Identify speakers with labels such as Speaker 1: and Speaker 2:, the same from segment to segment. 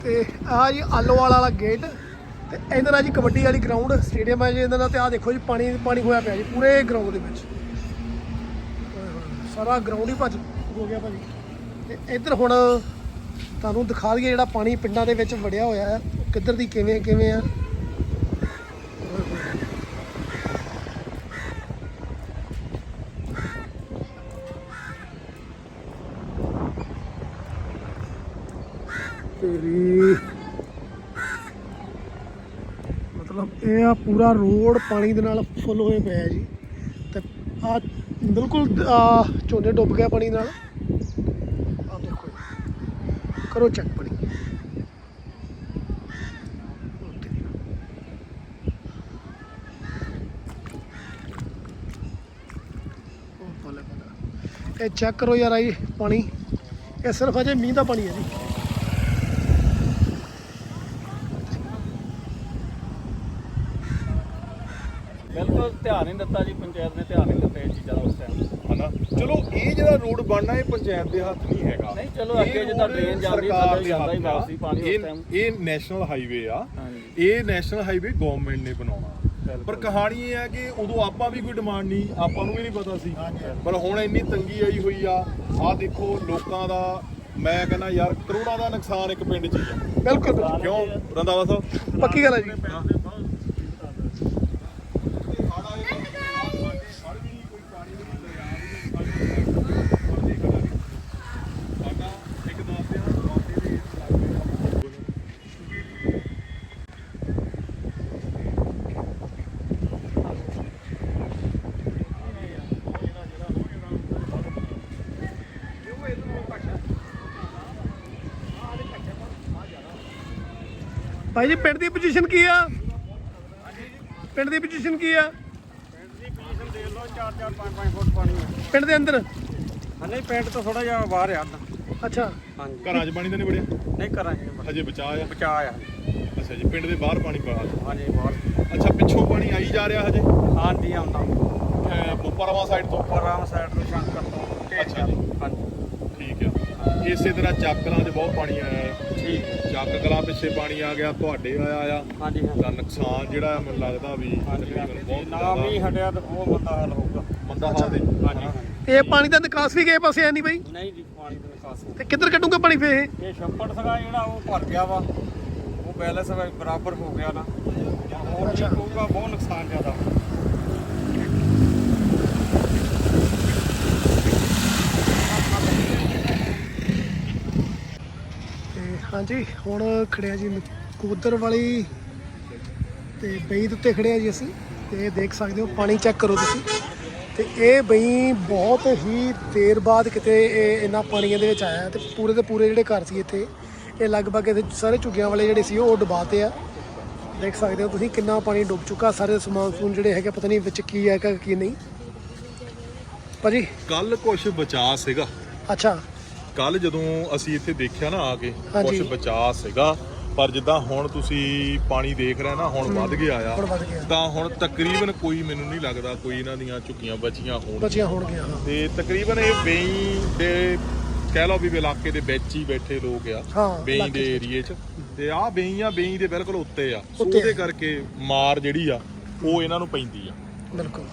Speaker 1: ਤੇ ਆਹ ਜੀ ਆਲੋਵਾਲ ਵਾਲਾ ਗੇਟ ਤੇ ਇਧਰ ਆ ਜੀ ਕਬੱਡੀ ਵਾਲੀ ਗਰਾਊਂਡ ਸਟੇਡੀਅਮ ਹੈ ਜੀ ਇਹਨਾਂ ਦਾ। ਤੇ ਆਹ ਦੇਖੋ ਜੀ ਪਾਣੀ ਪਾਣੀ ਹੋਇਆ ਪਿਆ ਜੀ ਪੂਰੇ ਗਰਾਊਂਡ ਦੇ ਵਿੱਚ, ਸਾਰਾ ਗਰਾਊਂਡ ਹੀ ਭੱਜ ਹੋ ਗਿਆ ਭਾਜੀ। ਤੇ ਇੱਧਰ ਹੁਣ ਤੁਹਾਨੂੰ ਦਿਖਾ ਦਈਏ ਜਿਹੜਾ ਪਾਣੀ ਪਿੰਡਾਂ ਦੇ ਵਿੱਚ ਵੜਿਆ ਹੋਇਆ ਹੈ ਕਿੱਧਰ ਦੀ ਕਿਵੇਂ ਆ। ਤੇਰੀ ਮਤਲਬ ਇਹ ਆ ਪੂਰਾ ਰੋਡ ਪਾਣੀ ਦੇ ਨਾਲ ਫੁੱਲ ਹੋਏ ਪਿਆ ਜੀ। ਤੇ ਆ ਬਿਲਕੁਲ ਝੋਨੇ ਡੁੱਬ ਗਿਆ ਪਾਣੀ ਨਾਲ। ਆ ਦੇਖੋ ਕਰੋ ਚੈੱਕ ਪਾਣੀ। ਇਹ ਚੈੱਕ ਕਰੋ ਯਾਰ ਆਈ ਪਾਣੀ, ਇਹ ਸਿਰਫ ਅਜੇ ਮੀਂਹ ਦਾ ਪਾਣੀ ਹੈ ਜੀ।
Speaker 2: ਬਿਲਕੁਲ ਧਿਆਨ ਨਹੀਂ ਦਿੱਤਾ ਜੀ, ਪੰਚਾਇਤ ਨੇ ਧਿਆਨ ਨਹੀਂ ਦਿੱਤਾ ਇਹ ਚੀਜ਼ਾਂ ਦਾ ਉਸ ਟਾਈਮ, ਹਨਾ।
Speaker 3: ਚਲੋ ਇਹ ਜਿਹੜਾ ਰੋਡ ਬਣਨਾ ਇਹ ਪੰਚਾਇਤ ਦੇ ਹੱਥ ਨਹੀਂ ਹੈਗਾ।
Speaker 2: ਨਹੀਂ ਚਲੋ ਅੱਗੇ ਜਿੱਦਾਂ ਟ੍ਰੇਨ ਜਾਂਦੀ ਥੱਲੇ ਜਾਂਦਾ ਹੀ ਵਾਪਸੀ ਪਾਣੀ ਉਸ ਟਾਈਮ।
Speaker 3: ਇਹ ਨੈਸ਼ਨਲ ਹਾਈਵੇ ਆ, ਇਹ ਨੈਸ਼ਨਲ ਹਾਈਵੇ ਗਵਰਨਮੈਂਟ ਨੇ ਬਣਾਉਣਾ। ਪਰ ਕਹਾਣੀ ਇਹ ਹੈ ਕਿ ਉਦੋਂ ਆਪਾਂ ਵੀ ਕੋਈ ਡਿਮਾਂਡ ਨਹੀਂ, ਆਪਾਂ ਨੂੰ ਵੀ ਨਹੀਂ ਪਤਾ ਸੀ। ਪਰ ਹੁਣ ਇੰਨੀ ਤੰਗੀ ਆਈ ਹੋਈ ਆ। ਆਹ ਦੇਖੋ ਲੋਕਾਂ ਦਾ, ਮੈਂ ਕਹਿੰਦਾ ਯਾਰ ਕਰੋੜਾਂ ਦਾ ਨੁਕਸਾਨ ਇੱਕ ਪਿੰਡ 'ਚ ਹੀ ਆ।
Speaker 1: ਬਿਲਕੁਲ
Speaker 3: ਕਿਉਂ ਰੰਧਾਵਾ ਸਾਹਿਬ?
Speaker 1: ਪੱਕੀ ਗੱਲ ਹੈ ਜੀ। ਭਾਈ ਜੀ ਪਿੰਡ ਦੀ ਪੋਜੀਸ਼ਨ ਕੀ ਆ? ਪਿੰਡ ਦੀ ਪੋਜੀਸ਼ਨ ਕੀ ਆ?
Speaker 2: ਪਿੰਡ ਦੀ ਪੋਜੀਸ਼ਨ ਦੇਖ ਲਓ 4-4 5-5 ਫੁੱਟ ਪਾਣੀ ਹੈ
Speaker 1: ਪਿੰਡ ਦੇ ਅੰਦਰ?
Speaker 2: ਨਹੀਂ ਪਿੰਡ ਤੋਂ ਥੋੜਾ ਜਿਹਾ ਬਾਹਰ ਆ।
Speaker 1: ਅੱਛਾ
Speaker 2: ਹਾਂਜੀ
Speaker 3: ਘਰਾਂ 'ਚ ਪਾਣੀ ਤਾਂ ਨਹੀਂ ਵੜਿਆ?
Speaker 2: ਨਹੀਂ ਕਰਾਂ ਜੀ,
Speaker 3: ਹਜੇ ਬਚਾਅ ਆ।
Speaker 2: ਬਚਾਅ ਆ।
Speaker 3: ਅੱਛਾ ਜੀ, ਪਿੰਡ ਦੇ ਬਾਹਰ ਪਾਣੀ ਪਾ।
Speaker 2: ਹਾਂਜੀ ਬਾਹਰ।
Speaker 3: ਅੱਛਾ ਪਿੱਛੋਂ ਪਾਣੀ ਆਈ ਜਾ ਰਿਹਾ ਹਜੇ?
Speaker 2: ਹਾਂਜੀ ਆਉਂਦਾ
Speaker 3: ਮੁਪਰਵਾ ਸਾਈਡ ਤੋਂ?
Speaker 2: ਪਰਾਮ ਸਾਈਡ ਤੋਂ ਸ਼ੰਕਰ ਤੋਂ।
Speaker 3: ਅੱਛਾ ਜੀ,
Speaker 2: ਹਾਂਜੀ
Speaker 3: ਠੀਕ ਆ। ਇਸੇ ਤਰ੍ਹਾਂ ਚੱਕ ਕਲਾਂ 'ਚ ਬਹੁਤ ਪਾਣੀ ਆਇਆ ਹੈ।
Speaker 2: ਠੀਕ ਹੈ।
Speaker 3: ਚੱਕ ਕਲਾਂ ਪਿੱਛੇ ਪਾਣੀ ਆ ਗਿਆ, ਤੁਹਾਡੇ ਆਇਆ ਆ।
Speaker 2: ਹਾਂਜੀ
Speaker 3: ਦਾ ਨੁਕਸਾਨ ਜਿਹੜਾ ਮੈਨੂੰ ਲੱਗਦਾ ਵੀ ਤਕਰੀਬਨ ਬਹੁਤ
Speaker 2: ਨਾ ਵੀ ਹਟਿਆ ਤਾਂ ਉਹ ਮੰਦਾ ਹਾਲ ਹੋਊਗਾ।
Speaker 3: ਮੰਦਾ ਹਾਲ ਦੇ।
Speaker 2: ਹਾਂਜੀ
Speaker 1: ਤੇ ਇਹ ਪਾਣੀ ਦਾ ਨਿਕਾਸ ਵੀ ਕਿਸੇ ਪਾਸੇ ਹੈ ਨਹੀਂ ਬਾਈ?
Speaker 2: ਨਹੀਂ ਜੀ ਪਾਣੀ ਦਾ ਨਿਕਾਸ
Speaker 1: ਤੇ ਕਿੱਧਰ ਕੱਢੂਗਾ ਪਾਣੀ ਫੇਰ ਇਹ?
Speaker 2: ਇਹ ਛੱਪੜ ਸੀਗਾ ਜਿਹੜਾ ਉਹ ਭਰ ਗਿਆ ਵਾ, ਉਹ ਬੈਲੈਂਸ ਬਰਾਬਰ ਹੋ ਗਿਆ ਨਾ। ਹੋਰ ਕੀ ਹੋਊਗਾ, ਬਹੁਤ ਨੁਕਸਾਨ ਜ਼ਿਆਦਾ।
Speaker 1: ਹਾਂਜੀ ਹੁਣ ਖੜਿਆ ਜੀ ਨਕੋਦਰ ਵਾਲੀ ਤੇ ਬਈ ਦੇ ਉੱਤੇ ਖੜਿਆ ਜੀ ਅਸੀਂ। ਤੇ ਦੇਖ ਸਕਦੇ ਹੋ ਪਾਣੀ ਚੈੱਕ ਕਰੋ ਤੁਸੀਂ। ਤੇ ਇਹ ਬਈ ਬਹੁਤ ਹੀ ਦੇਰ ਬਾਅਦ ਕਿਤੇ ਇਹ ਇੰਨਾ ਪਾਣੀ ਇਹਦੇ ਵਿੱਚ ਆਇਆ। ਤੇ ਪੂਰੇ ਦੇ ਪੂਰੇ ਜਿਹੜੇ ਘਰ ਸੀ ਇੱਥੇ, ਇਹ ਲਗਭਗ ਇਹਦੇ ਸਾਰੇ ਝੁੱਗੀਆਂ ਵਾਲੇ ਜਿਹੜੇ ਸੀ ਉਹ ਡੁਬਾਤੇ ਆ। ਦੇਖ ਸਕਦੇ ਹੋ ਤੁਸੀਂ ਕਿੰਨਾ ਪਾਣੀ ਡੁੱਬ ਚੁੱਕਾ। ਸਾਰੇ ਸਮਾਨ ਸਮੂਨ ਜਿਹੜੇ ਹੈਗੇ ਪਤਾ ਨਹੀਂ ਵਿੱਚ ਕੀ ਹੈਗਾ ਕੀ ਨਹੀਂ। ਭਾਜੀ
Speaker 3: ਕੱਲ ਕੁਛ ਬਚਾ ਸੀਗਾ।
Speaker 1: ਅੱਛਾ
Speaker 3: ਕੱਲ ਜਦੋਂ ਅਸੀਂ ਇੱਥੇ ਦੇਖਿਆ ਨਾ ਆ ਕੇ,
Speaker 1: ਹਾਂਜੀ।
Speaker 3: ਕੁਛ ਬਚਾ ਸੀਗਾ। ਪਰ ਜਿੱਦਾਂ ਹੁਣ ਤੁਸੀਂ ਪਾਣੀ ਦੇਖ ਰਹੇ ਨਾ, ਹੁਣ ਵੱਧ ਗਿਆ ਆ।
Speaker 1: ਹੁਣ ਵੱਧ ਗਿਆ
Speaker 3: ਤਾਂ ਹੁਣ ਤਕਰੀਬਨ ਕੋਈ, ਮੈਨੂੰ ਨਹੀਂ ਲੱਗਦਾ ਕੋਈ ਇਹਨਾਂ ਦੀਆਂ ਝੁੱਗੀਆਂ ਬਚੀਆਂ
Speaker 1: ਹੋਣਗੀਆਂ। ਹਾਂ
Speaker 3: ਤੇ ਤਕਰੀਬਨ ਇਹ ਬੇਈ ਦੇ ਕਹਿ ਲਓ ਵੀ ਇਲਾਕੇ ਦੇ ਵਿੱਚ ਹੀ ਬੈਠੇ ਲੋਕ ਆ,
Speaker 1: ਹਾਂ,
Speaker 3: ਬੇਈ
Speaker 1: ਇਲਾਕੇ
Speaker 3: ਦੇ ਏਰੀਏ 'ਚ। ਤੇ ਆਹ ਬੇਈ ਦੇ ਬਿਲਕੁਲ ਉੱਤੇ ਆ। ਸੋ ਉਹਦੇ ਕਰਕੇ ਮਾਰ ਜਿਹੜੀ ਆ ਉਹ ਇਹਨਾਂ ਨੂੰ ਪੈਂਦੀ ਆ।
Speaker 1: ਬਿਲਕੁਲ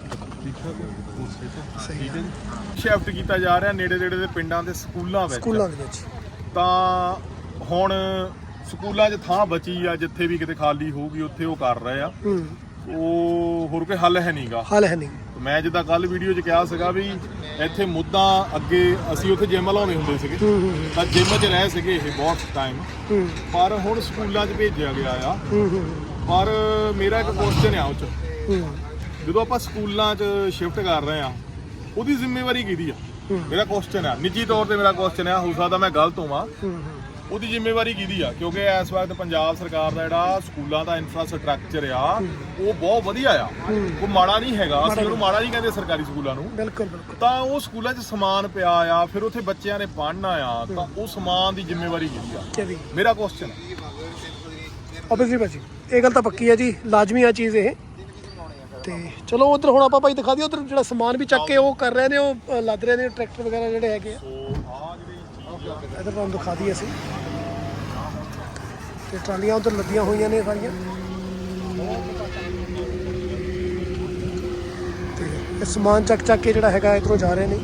Speaker 1: ਸਹੀ ਹੈ।
Speaker 3: ਸ਼ਿਫਟ ਕੀਤਾ ਜਾ ਰਿਹਾ ਨੇੜੇ ਦੇ ਪਿੰਡਾਂ ਦੇ ਸਕੂਲਾਂ ਵਿੱਚ। ਤਾਂ ਹੁਣ ਸਕੂਲਾਂ 'ਚ ਥਾਂ ਬਚੀ ਆ, ਜਿੱਥੇ ਵੀ ਕਿਤੇ ਖਾਲੀ ਹੋਊਗੀ ਉੱਥੇ ਉਹ ਕਰ ਰਹੇ ਆ। ਉਹ ਹੋਰ ਕੋਈ ਹੱਲ ਹੈ ਨਹੀਂਗਾ।
Speaker 1: ਹੱਲ ਹੈ ਨਹੀਂ।
Speaker 3: ਮੈਂ ਜਿੱਦਾਂ ਕੱਲ ਵੀਡੀਓ 'ਚ ਕਿਹਾ ਸੀਗਾ ਵੀ ਇੱਥੇ ਮੁੱਦਾ ਅੱਗੇ ਅਸੀਂ ਉੱਥੇ ਜਿਮ ਲਾਉਂਦੇ ਹੁੰਦੇ ਸੀਗੇ, ਤਾਂ ਜਿਮ 'ਚ ਰਹੇ ਸੀਗੇ ਇਹ ਬਹੁਤ ਟਾਈਮ। ਪਰ ਹੁਣ ਸਕੂਲਾਂ 'ਚ ਭੇਜਿਆ ਗਿਆ ਆ। ਪਰ ਮੇਰਾ ਇੱਕ ਕੁਐਸਚਨ ਆ ਉਹ 'ਚ, ਜਦੋਂ ਆਪਾਂ ਸਕੂਲਾਂ 'ਚ ਸ਼ਿਫਟ ਕਰ ਰਹੇ ਆ ਉਹਦੀ ਜ਼ਿੰਮੇਵਾਰੀ ਕਿਹਦੀ ਆ? ਮੇਰਾ ਕੁਐਸਚਨ ਆ, ਨਿੱਜੀ ਤੌਰ ਤੇ ਮੇਰਾ ਕੁਐਸਚਨ ਆ, ਹੋ ਸਕਦਾ ਮੈਂ ਗਲਤ ਹੋਵਾਂ। ਉਹਦੀ ਜ਼ਿੰਮੇਵਾਰੀ ਕਿਹਦੀ ਆ? ਕਿਉਂਕਿ ਇਸ ਵਕਤ ਪੰਜਾਬ ਸਰਕਾਰ ਦਾ ਜਿਹੜਾ ਸਕੂਲਾਂ ਦਾ ਇਨਫਰਾਸਟ੍ਰਕਚਰ ਆ ਉਹ ਬਹੁਤ ਵਧੀਆ ਆ, ਉਹ ਮਾੜਾ ਨਹੀਂ ਹੈਗਾ। ਅਸੀਂ ਉਹਨੂੰ ਮਾੜਾ ਨਹੀਂ ਕਹਿੰਦੇ ਸਰਕਾਰੀ ਸਕੂਲਾਂ ਨੂੰ।
Speaker 1: ਬਿਲਕੁਲ।
Speaker 3: ਤਾਂ ਉਹ ਸਕੂਲਾਂ 'ਚ ਸਮਾਨ ਪਿਆ ਆ, ਫਿਰ ਉੱਥੇ ਬੱਚਿਆਂ ਨੇ ਪੜ੍ਹਨਾ ਆ, ਤਾਂ ਉਹ ਸਮਾਨ ਦੀ ਜ਼ਿੰਮੇਵਾਰੀ ਕਿਹਦੀ ਆ? ਮੇਰਾ ਕੁਐਸਚਨ
Speaker 1: ਓਬਵੀਅਸਲੀ ਭਾਜੀ ਇਹ ਗੱਲ ਤਾਂ ਪੱਕੀ ਹੈ ਜੀ, ਲਾਜ਼ਮੀ ਆ ਚੀਜ਼ ਇਹ। ਤੇ ਚਲੋ ਉਧਰ ਹੁਣ ਆਪਾਂ ਭਾਈ ਦਿਖਾ ਦਿਓ, ਉਧਰ ਜਿਹੜਾ ਸਮਾਨ ਵੀ ਚੱਕ ਕੇ ਉਹ ਕਰ ਰਹੇ ਨੇ, ਉਹ ਲੱਦ ਰਹੇ ਨੇ ਟਰੈਕਟਰ ਵਗੈਰਾ ਜਿਹੜੇ ਹੈਗੇ ਆ। ਇਧਰ ਤੁਹਾਨੂੰ ਦਿਖਾ ਦਈਏ ਅਸੀਂ। ਤੇ ਟਰਾਲੀਆਂ ਉਧਰ ਲੱਦੀਆਂ ਹੋਈਆਂ ਨੇ ਸਾਰੀਆਂ ਤੇ ਇਹ ਸਮਾਨ ਚੱਕ ਚੱਕ ਕੇ ਜਿਹੜਾ ਹੈਗਾ ਇੱਧਰੋਂ ਜਾ ਰਹੇ ਨੇ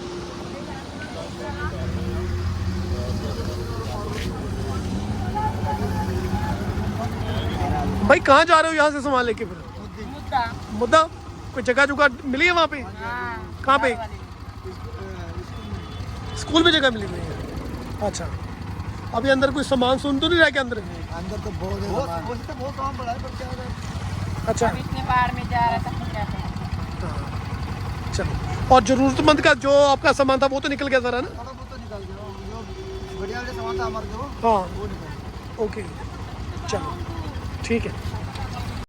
Speaker 1: भाई कहाँ जा रहे हो यहाँ से सामान लेके फिर मुद्दा कोई जगह जुगह मिली है वहाँ पे कहाँ पे स्कूल में जगह मिली हुई है अच्छा अभी अंदर कोई सामान सुन तो नहीं रहा क्या अंदर
Speaker 4: अंदर तो बहुत काम पड़ा है पर क्या है
Speaker 1: अच्छा
Speaker 5: इतने बार में जा रहा था क्या करें।
Speaker 1: चलो और जरूरतमंद का जो आपका सामान था वो तो निकल गया सारा ना
Speaker 4: थोड़ा बहुत तो निकल गया जो बढ़िया वाले सामान था हमारे जो
Speaker 1: हाँ
Speaker 4: वो निकल गया।
Speaker 1: ओके चलो ठीक है